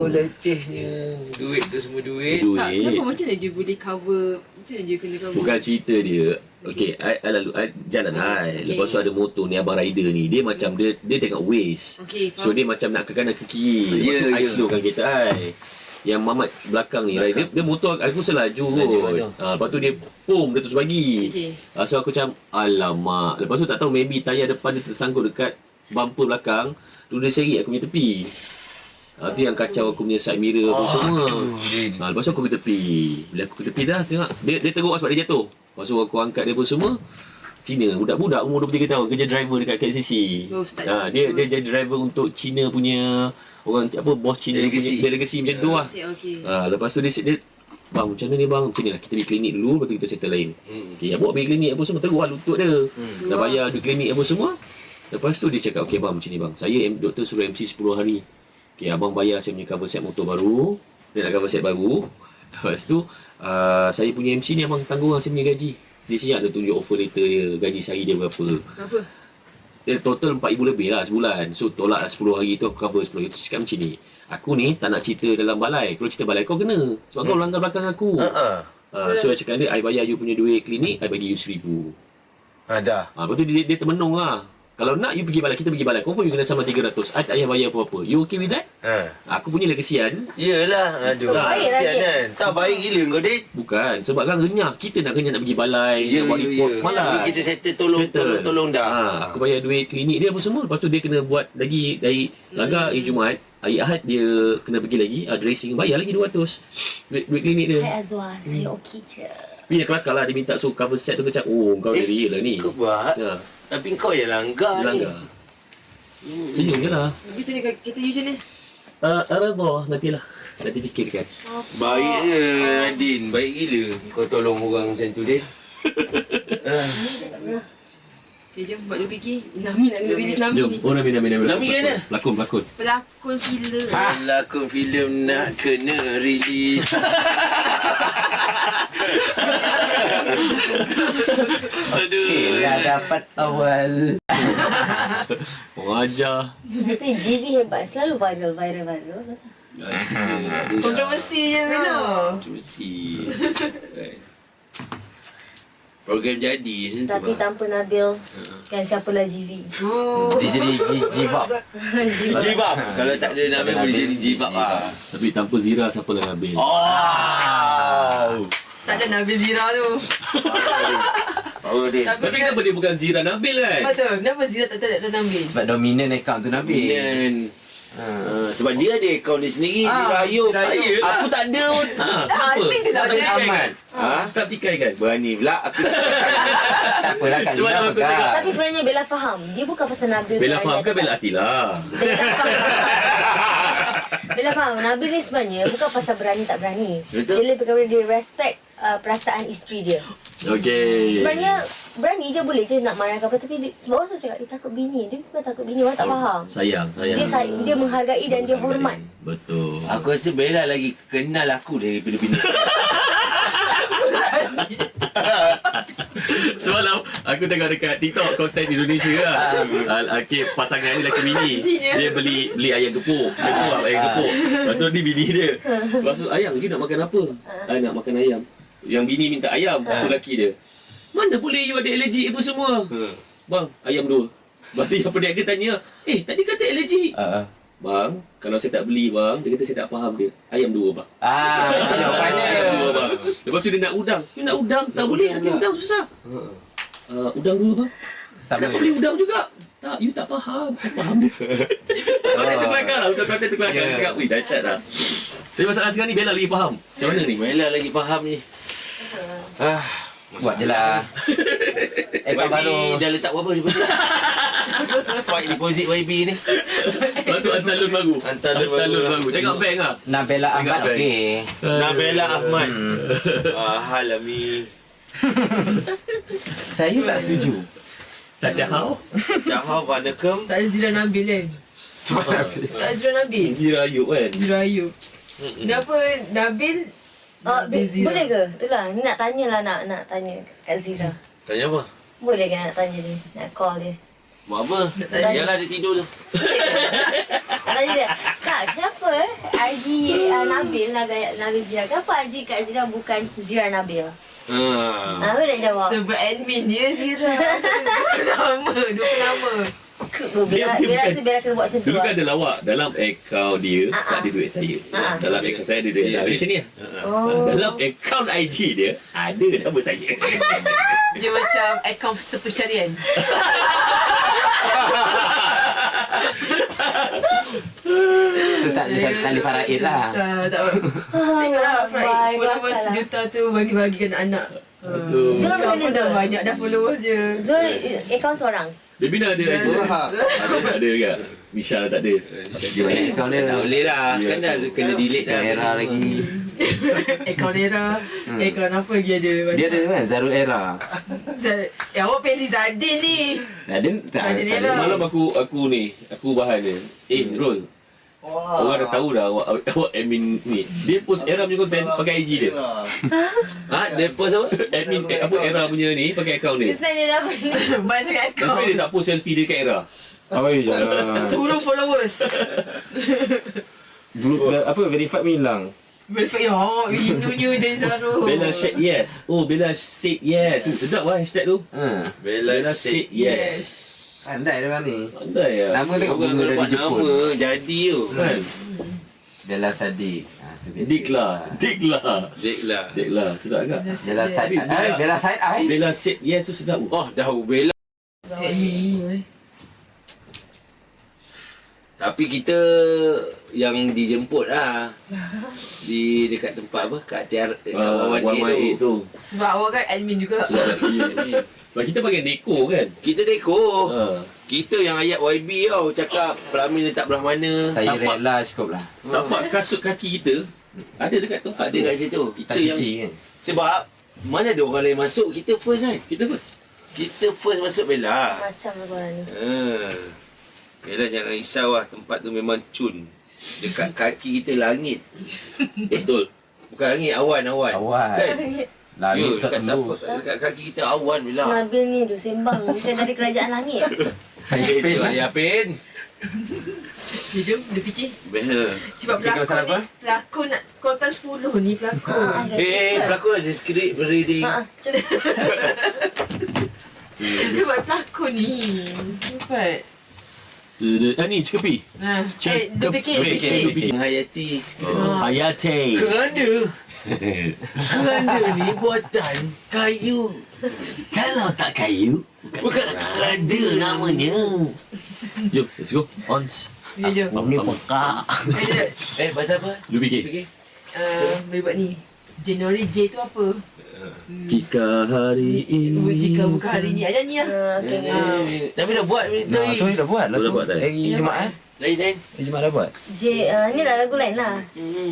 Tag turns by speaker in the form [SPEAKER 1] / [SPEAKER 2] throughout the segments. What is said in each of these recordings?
[SPEAKER 1] Lecehnya. Duit tu semua duit.
[SPEAKER 2] Tak, kenapa macam mana dia boleh cover? Macam mana dia kena cover?
[SPEAKER 3] Bukan cerita dia. Okay, I lalu jalan hai. Lepas tu ada motor ni, abang rider ni. Dia macam dia tengok Waze.
[SPEAKER 2] Okay,
[SPEAKER 3] So dia macam nak ke kanan ke kiri. Lepas tu I slowkan kereta I. Yang Mamat belakang ni, dia motor aku selaju kot. Lepas tu dia dia terus bagi. So aku macam alamak. Lepas tu tak tahu maybe tayar depan dia tersangkut dekat bumper belakang. Tu dia seri aku punya tepi. Tu yang kacau aku punya side mirror apa semua. Lepas tu aku ke tepi. Bila aku ke tepi dah tengok dia teruk sebab dia jatuh. Lepas tu aku angkat dia pun semua. Cina, budak-budak umur 23 tahun kerja driver dekat KCC. Dia jadi driver untuk Cina punya orang apa bos Cina
[SPEAKER 1] delegasi.
[SPEAKER 3] Punya delegasi macam tu lah. Lepas tu dia bang macam mana ni bang? Macam ni lah kita pergi klinik dulu lepas tu kita settle lain. Okey, bawa pergi klinik apa semua teruk lah lutut dia. Dah bayar di klinik apa semua. Lepas tu dia cakap okey bang macam ni bang. Saya doktor suruh MC 10 hari. Okey, abang bayar saya punya cover set motor baru. Dia nak cover set baru. Lepas tu saya punya MC ni abang tanggung lah saya punya gaji. Dia siap dia tunjuk offer letter dia, gaji sehari dia berapa.
[SPEAKER 2] Berapa?
[SPEAKER 3] Dia total 4,000 lebih lah sebulan. So tolak lah 10 hari tu aku cover 10 hari tu. Cakap macam ni, aku ni tak nak cerita dalam balai. Kalau cerita balai kau kena. Sebab kau langgar belakang aku. So I cakap dia, I bayar you punya duit klinik, I bagi you 1,000.
[SPEAKER 1] Dah.
[SPEAKER 3] Lepas tu dia termenung lah. Kalau nak you pergi balai, kita pergi balai. Confirm you kena sama 300. I tak payah bayar apa-apa. You okay with that? Aku punya kesian.
[SPEAKER 1] Yelah, aduh. Kesian kan. Tak baik gila kau, Din.
[SPEAKER 3] Bukan, sebab kan renyah. Kita nak renyah nak pergi balai, nak buat report. Malas.
[SPEAKER 1] Kita settle tolong dah.
[SPEAKER 3] Aku bayar duit klinik dia apa semua. Lepas tu dia kena buat lagi dari langgar hari Jumaat. Hari Ahad dia kena pergi lagi. Dressing, bayar lagi 200. Duit klinik dia.
[SPEAKER 4] Hai Azwar, saya okey je.
[SPEAKER 3] Tapi dia kelakar lah. Dia minta suruh cover set tu macam, oh kau dia real lah ni.
[SPEAKER 1] Kau buat? Tapi kau yang langgar ni.
[SPEAKER 3] Senyum je lah.
[SPEAKER 2] Tapi macam ni kereta you macam ni?
[SPEAKER 3] Nantilah. Nanti fikirkan.
[SPEAKER 1] Baik je Din. Baik gila. Kau tolong orang macam tu, Din.
[SPEAKER 2] Okay, jom buat dia fikir. Nami nak release Nami ni.
[SPEAKER 3] Oh Nami.
[SPEAKER 1] Nami kan dah?
[SPEAKER 3] Pelakon.
[SPEAKER 2] Pelakon filem.
[SPEAKER 1] Pelakon filem nak kena release. Aduh.
[SPEAKER 5] Dah dapat awal.
[SPEAKER 3] Mengajar.
[SPEAKER 4] Tapi JV hebat, selalu viral.
[SPEAKER 2] Kontroversi je Mino.
[SPEAKER 1] Kontroversi. Program jadi macam tu.
[SPEAKER 4] Tapi tanpa Nabil, kan siapalah JV.
[SPEAKER 5] Dia jadi give up.
[SPEAKER 1] Give up. Kalau tak ada Nabil boleh jadi give up lah.
[SPEAKER 3] Tapi tanpa Zira siapa lah Nabil?
[SPEAKER 2] Tak ada Nabil Zira tu.
[SPEAKER 1] Power Din.
[SPEAKER 3] Tapi kenapa dia bukan Zira Nabil kan?
[SPEAKER 2] Betul. Kenapa Zira tak ada Nabil?
[SPEAKER 5] Sebab dominant account tu Nabil.
[SPEAKER 1] Dan sebab dia ada akaun dia sendiri. Zira Ayub. Aku tak ada pun.
[SPEAKER 3] Apa?
[SPEAKER 2] Dia tak ada.
[SPEAKER 5] Aman.
[SPEAKER 3] Tak pikai kan?
[SPEAKER 5] Berani pula aku. Tak apalah Kak
[SPEAKER 3] Semalam
[SPEAKER 5] Lina
[SPEAKER 3] aku
[SPEAKER 5] pegang.
[SPEAKER 3] tengok.
[SPEAKER 4] Tapi sebenarnya Bella faham, dia bukan pasal Nabil.
[SPEAKER 3] Bella faham
[SPEAKER 4] berani
[SPEAKER 3] ke Bella
[SPEAKER 4] atau
[SPEAKER 3] Astila?
[SPEAKER 4] tak. Bella faham, Nabil ni sebenarnya bukan pasal berani tak berani.
[SPEAKER 1] Betul.
[SPEAKER 4] Dia lebih kepada dia respect perasaan isteri dia.
[SPEAKER 3] Okey.
[SPEAKER 4] Sebenarnya berani je boleh je nak marah ke apa, tapi sebab orang selalu cakap dia takut bini. Dia bukan takut bini, orang tak faham.
[SPEAKER 3] Sayang.
[SPEAKER 4] Dia menghargai dan dia hormat.
[SPEAKER 3] Betul.
[SPEAKER 1] Aku rasa Bella lagi kenal aku daripada bini.
[SPEAKER 3] Semalam aku tengok dekat TikTok konten Indonesia lah. Okay, pasangan ni lelaki bini. Dia beli ayam gepuk. Macam tu lah ayam gepuk. Lepas tu ni bini dia. Lepas tu ayam you nak makan apa? I nak makan ayam. Yang bini minta ayam, tu lelaki dia. Mana boleh you ada allergi apa semua? Bang, ayam 2. Lepas tu yang peniaga tanya, tadi kata allergi. Bang, kalau saya tak beli bang, dia kata saya tak faham dia. Ayam 2 bang.
[SPEAKER 5] Jawapannya.
[SPEAKER 3] Ayam 2 bang. Lepas tu dia nak udang. You nak udang? Tak boleh, nanti udang susah. Udang 2 bang. Kenapa beli udang juga? Tak, you tak faham. Tak faham dia. Konten terkelakar lah. Untuk konten terkelakar. Dia cakap, wih dahsyat lah. Tapi masalah sekarang ni Bella lagi faham. Macam mana ni?
[SPEAKER 1] Bella lagi faham ni.
[SPEAKER 5] Buat je lah. Account baru.
[SPEAKER 1] YB dah letak berapa deposit? Fight deposit YB ni.
[SPEAKER 3] Lepas tu hantar loan baru.
[SPEAKER 1] Hantar loan baru.
[SPEAKER 3] Tengok bank lah.
[SPEAKER 5] Nabila Ahmad
[SPEAKER 3] Bank.
[SPEAKER 5] okey.
[SPEAKER 1] Nabila Ahmad. Mahal lah Mi.
[SPEAKER 5] Saya tak setuju.
[SPEAKER 3] Tak jahau.
[SPEAKER 1] Jahau Vanakem.
[SPEAKER 2] Tak ada Zira Nabil kan? Tak ada Zira Nabil.
[SPEAKER 3] Zira Ayub kan?
[SPEAKER 2] Zira Ayub. Kenapa Nabil? Nabil Zira.
[SPEAKER 4] Boleh ke? Itulah, ni nak tanya lah nak tanya Kak Zira.
[SPEAKER 1] Tanya apa?
[SPEAKER 4] Boleh ke nak tanya dia? Nak call dia?
[SPEAKER 1] Buat apa? Yalah dia tidur tu.
[SPEAKER 4] Kalau dia, Kak, kenapa IG Nabil Zira? Kenapa IG Kak Zira bukan Zira Nabil? Apa nak jawab?
[SPEAKER 2] Sebab admin dia Zira. Nama, dua nama.
[SPEAKER 4] Bila rasa Bella kena buat macam tu.
[SPEAKER 3] Dulu kan ada lawak dalam akaun dia tak ada duit saya. Dalam akaun saya ada duit. Ada macam ni lah. Dalam akaun IG dia ada nama saya.
[SPEAKER 2] Dia macam akaun sepencarian.
[SPEAKER 5] Tu tak boleh faraid lah.
[SPEAKER 2] Tak apa. Tengoklah Fry. Followers sejuta tu bagi-bagikan anak.
[SPEAKER 4] Zul
[SPEAKER 2] Kau
[SPEAKER 4] macam
[SPEAKER 2] pun
[SPEAKER 4] mana
[SPEAKER 2] dah
[SPEAKER 4] Zul?
[SPEAKER 2] banyak dah followers je.
[SPEAKER 4] Zul akaun seorang.
[SPEAKER 3] Bina ada IG. Ada juga. Misha tak ada.
[SPEAKER 5] Dia banyak akaun dia.
[SPEAKER 1] Tak boleh lah. Kan dah kena delete dah.
[SPEAKER 5] Era lagi.
[SPEAKER 2] Akaun Era. Akaun apa lagi ada?
[SPEAKER 5] Dia ada kan Zarul Era.
[SPEAKER 2] Awak pilih Zadin ni.
[SPEAKER 5] Ada tak?
[SPEAKER 2] Ada dia
[SPEAKER 5] ada.
[SPEAKER 2] lah.
[SPEAKER 3] Semalam aku bahan dia. Rol. Orang dah tahu dah awak admin ni. Dia post Era punya konten pakai IG dia.
[SPEAKER 1] Dia post apa?
[SPEAKER 3] Admin apa Era punya ni pakai akaun dia.
[SPEAKER 4] Kesan dia dah ni.
[SPEAKER 2] Banyak sangat
[SPEAKER 3] That's why
[SPEAKER 2] akaun.
[SPEAKER 3] dia tak post selfie dia kat Era.
[SPEAKER 5] Apa je jangan.
[SPEAKER 2] Turun followers.
[SPEAKER 5] Dulu apa verified pun hilang.
[SPEAKER 2] Verify Hindunya dari Zaro.
[SPEAKER 3] Bella said yes. Oh, Bella said yes. Sedap lah hashtag tu.
[SPEAKER 1] Bella
[SPEAKER 3] said yes.
[SPEAKER 5] Pandai dia orang ni.
[SPEAKER 3] Pandai lah.
[SPEAKER 5] Nama tengok
[SPEAKER 1] Orang
[SPEAKER 5] bunga
[SPEAKER 1] dapat
[SPEAKER 5] dari Jepun.
[SPEAKER 1] nama jadi tu.
[SPEAKER 3] Kan?
[SPEAKER 5] Bella Sadiq. Tu biasa.
[SPEAKER 3] Dik lah.
[SPEAKER 1] Dek lah.
[SPEAKER 3] Dik lah. Sedap agak.
[SPEAKER 5] Bella Side Eye. Bella Side Eye.
[SPEAKER 3] Bella said yes tu sedap.
[SPEAKER 1] Oh, dah Bella. Tapi kita yang dijemput lah. Di dekat tempat apa? Kat tiar Wawan
[SPEAKER 3] Wawan tu.
[SPEAKER 2] Sebab awak kan admin juga.
[SPEAKER 3] Sebab kita pakai deko kan.
[SPEAKER 1] Kita dekor.
[SPEAKER 3] Ha.
[SPEAKER 1] Kita yang ayat YB tau. Cakap pelamin letak belah mana.
[SPEAKER 5] Saya
[SPEAKER 3] Tapak.
[SPEAKER 5] rela cukup lah.
[SPEAKER 3] Tapak kasut kaki kita ada dekat tempat
[SPEAKER 1] Ada
[SPEAKER 3] tu.
[SPEAKER 1] kat situ. Kita
[SPEAKER 5] Tak
[SPEAKER 1] yang
[SPEAKER 5] suci kan.
[SPEAKER 1] sebab mana ada orang lain masuk, kita first kan.
[SPEAKER 3] Kita first.
[SPEAKER 1] Kita first masuk Bella.
[SPEAKER 4] Macam lah korang ni.
[SPEAKER 1] Bella jangan risau lah. Tempat tu memang cun. Dekat kaki kita langit.
[SPEAKER 3] Betul.
[SPEAKER 1] Bukan langit, awan.
[SPEAKER 5] Awan.
[SPEAKER 1] Kan?
[SPEAKER 5] Langit tak
[SPEAKER 1] dekat
[SPEAKER 5] tembus.
[SPEAKER 1] tapak, dekat kaki kita awan Bella.
[SPEAKER 4] Nabil ni dia sembang macam dari kerajaan langit.
[SPEAKER 1] Itu ayah pen.
[SPEAKER 2] Dia jom, dia fikir.
[SPEAKER 1] Bella.
[SPEAKER 2] Sebab
[SPEAKER 5] Fikir pasal
[SPEAKER 2] pelakon ni,
[SPEAKER 5] apa?
[SPEAKER 2] pelakon nak kontan 10 ni pelakon.
[SPEAKER 1] Pelakon ada skrip reading.
[SPEAKER 4] Cuba.
[SPEAKER 2] Dia buat pelakon ni. Cepat.
[SPEAKER 3] Ni Cikepi.
[SPEAKER 2] Dia fikir.
[SPEAKER 1] Menghayati skrip.
[SPEAKER 3] Hayate.
[SPEAKER 1] Keranda ni buatan kayu.
[SPEAKER 5] Kalau tak kayu,
[SPEAKER 1] Bukan keranda namanya.
[SPEAKER 3] Jom, let's go. On.
[SPEAKER 2] Dia je.
[SPEAKER 5] ni pekak.
[SPEAKER 1] Pasal apa?
[SPEAKER 3] Lu fikir.
[SPEAKER 2] Boleh buat ni. January J tu apa?
[SPEAKER 3] Jika hari ini.
[SPEAKER 2] Jika bukan hari ni. Aja ni lah.
[SPEAKER 1] Tapi dah buat
[SPEAKER 5] Nah, tu dah buat lah
[SPEAKER 3] Tu dah
[SPEAKER 5] tu.
[SPEAKER 3] buat dah.
[SPEAKER 5] Hari Jumaat eh?
[SPEAKER 1] lain.
[SPEAKER 5] Hari Jumaat dah buat.
[SPEAKER 4] Ni lah lagu lain lah.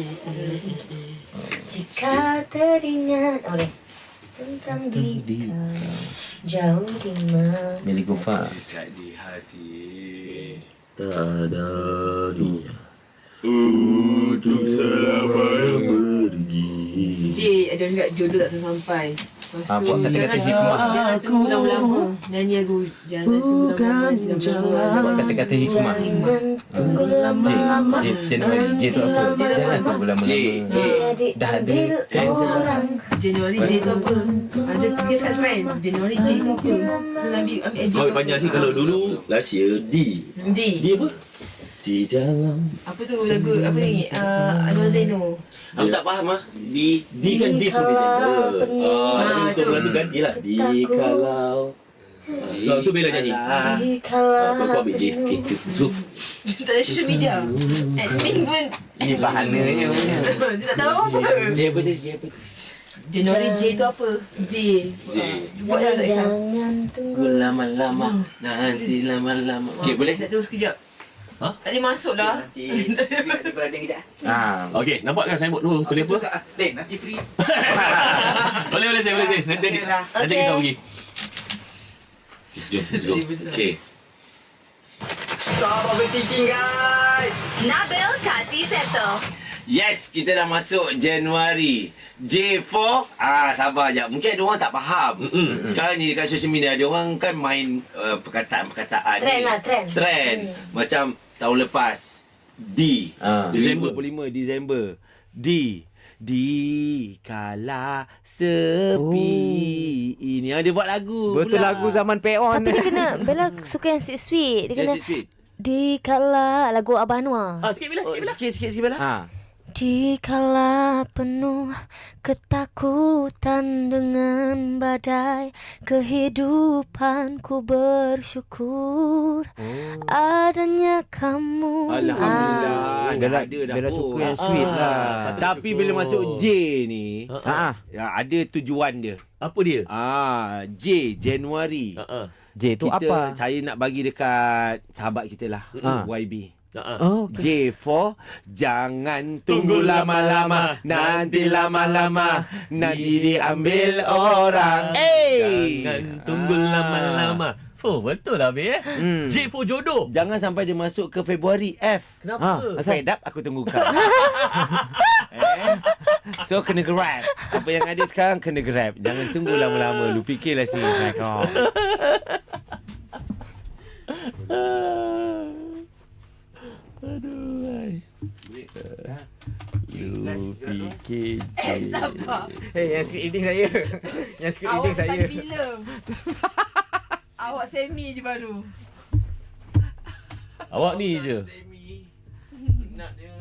[SPEAKER 4] Jika teringat boleh tentang dia jauh di mana.
[SPEAKER 5] Meli Gufar.
[SPEAKER 1] Dekat di hati.
[SPEAKER 3] Tak ada dunia.
[SPEAKER 1] Untuk selama
[SPEAKER 3] Pergi.
[SPEAKER 2] J ada orang kat jodoh tak sampai. Lepas tu
[SPEAKER 5] Buat kata-kata hikmah.
[SPEAKER 2] jangan tunggu lama-lama. Nyanyi lagu jangan tunggu lama-lama.
[SPEAKER 5] Buat kata-kata hikmah.
[SPEAKER 4] Jangan tunggu lama-lama.
[SPEAKER 5] Januari. J tu apa? Jangan tunggu lama-lama. Dah ada kan?
[SPEAKER 4] Orang
[SPEAKER 2] Januari J tu apa? Ada tiga kan? Januari J tu apa? So Nabi ambil J
[SPEAKER 3] Kau
[SPEAKER 2] tu
[SPEAKER 3] panjang sikit kalau dulu last year D.
[SPEAKER 2] D.
[SPEAKER 3] D apa? Di dalam.
[SPEAKER 2] Apa tu lagu apa ni? Anwar Zaino.
[SPEAKER 1] Aku tak faham lah. Di
[SPEAKER 3] D kan D for December. Tapi untuk
[SPEAKER 2] tu.
[SPEAKER 3] bulan tu ganti lah. Di kalau. Kalau tu Bella nyanyi. Kau ambil J. Okay, so.
[SPEAKER 2] Tak ada social media. Admin pun
[SPEAKER 5] Ini bahananya.
[SPEAKER 2] dia tak tahu apa.
[SPEAKER 1] J apa tu?
[SPEAKER 2] Januari J tu apa? J.
[SPEAKER 1] J.
[SPEAKER 2] Buat dah tak kisah.
[SPEAKER 4] jangan tunggu.
[SPEAKER 1] Lama-lama. Nanti lama-lama. Okay, boleh?
[SPEAKER 2] Nak terus sekejap.
[SPEAKER 3] Ha?
[SPEAKER 2] Tak boleh masuk lah.
[SPEAKER 1] Nanti berada kejap.
[SPEAKER 3] Okay, nampak kan signboard tu? Tulis apa?
[SPEAKER 1] Nanti free.
[SPEAKER 3] Boleh saya. Nanti kita pergi. Jom, let's go.
[SPEAKER 1] Okay.
[SPEAKER 6] Nabil kasih settle.
[SPEAKER 1] Yes, kita dah masuk Januari. J4, sabar je. Mungkin ada orang tak faham. Sekarang ni dekat social media ada orang kan main perkataan-perkataan
[SPEAKER 4] Trend
[SPEAKER 1] ni.
[SPEAKER 4] lah, trend.
[SPEAKER 1] Macam tahun lepas D.
[SPEAKER 3] Disember.
[SPEAKER 1] 25 Disember. D kala sepi. Ini dia buat lagu.
[SPEAKER 5] Betul
[SPEAKER 1] pula.
[SPEAKER 5] lagu zaman Peon.
[SPEAKER 4] Tapi dia kena, Bella suka yang sweet-sweet. Dia kena,
[SPEAKER 1] Yes, sweet.
[SPEAKER 4] di kala lagu Abah Anwar.
[SPEAKER 3] Sikit Bella, sikit Bella.
[SPEAKER 1] Sikit Bella.
[SPEAKER 4] Di kala penuh ketakutan dengan badai, kehidupanku bersyukur adanya kamu.
[SPEAKER 1] Alhamdulillah.
[SPEAKER 5] Bella,
[SPEAKER 1] ada dah.
[SPEAKER 5] Bella suka yang sweet lah.
[SPEAKER 1] Tapi bila masuk J ni, ada tujuan dia.
[SPEAKER 3] Apa dia?
[SPEAKER 1] J, Januari.
[SPEAKER 5] J tu apa?
[SPEAKER 1] Saya nak bagi dekat sahabat kita lah, YB.
[SPEAKER 5] Okay.
[SPEAKER 1] J4, jangan tunggu lama-lama, nanti lama-lama nanti diambil orang.
[SPEAKER 3] Jangan tunggu lama-lama. Oh, betul lah Be. J for jodoh.
[SPEAKER 1] Jangan sampai dia masuk ke Februari. F.
[SPEAKER 3] Kenapa?
[SPEAKER 1] Fed up, aku tunggu kau. So kena grab. Apa yang ada sekarang kena grab. Jangan tunggu lama-lama. Lu fikirlah sini. Assalamualaikum. Aduh. You fikir
[SPEAKER 2] Sabar.
[SPEAKER 5] Yang script reading saya. Yang script reading saya.
[SPEAKER 2] Awak bila? Awak semi je baru.
[SPEAKER 3] Awak ni je.
[SPEAKER 1] Nak dia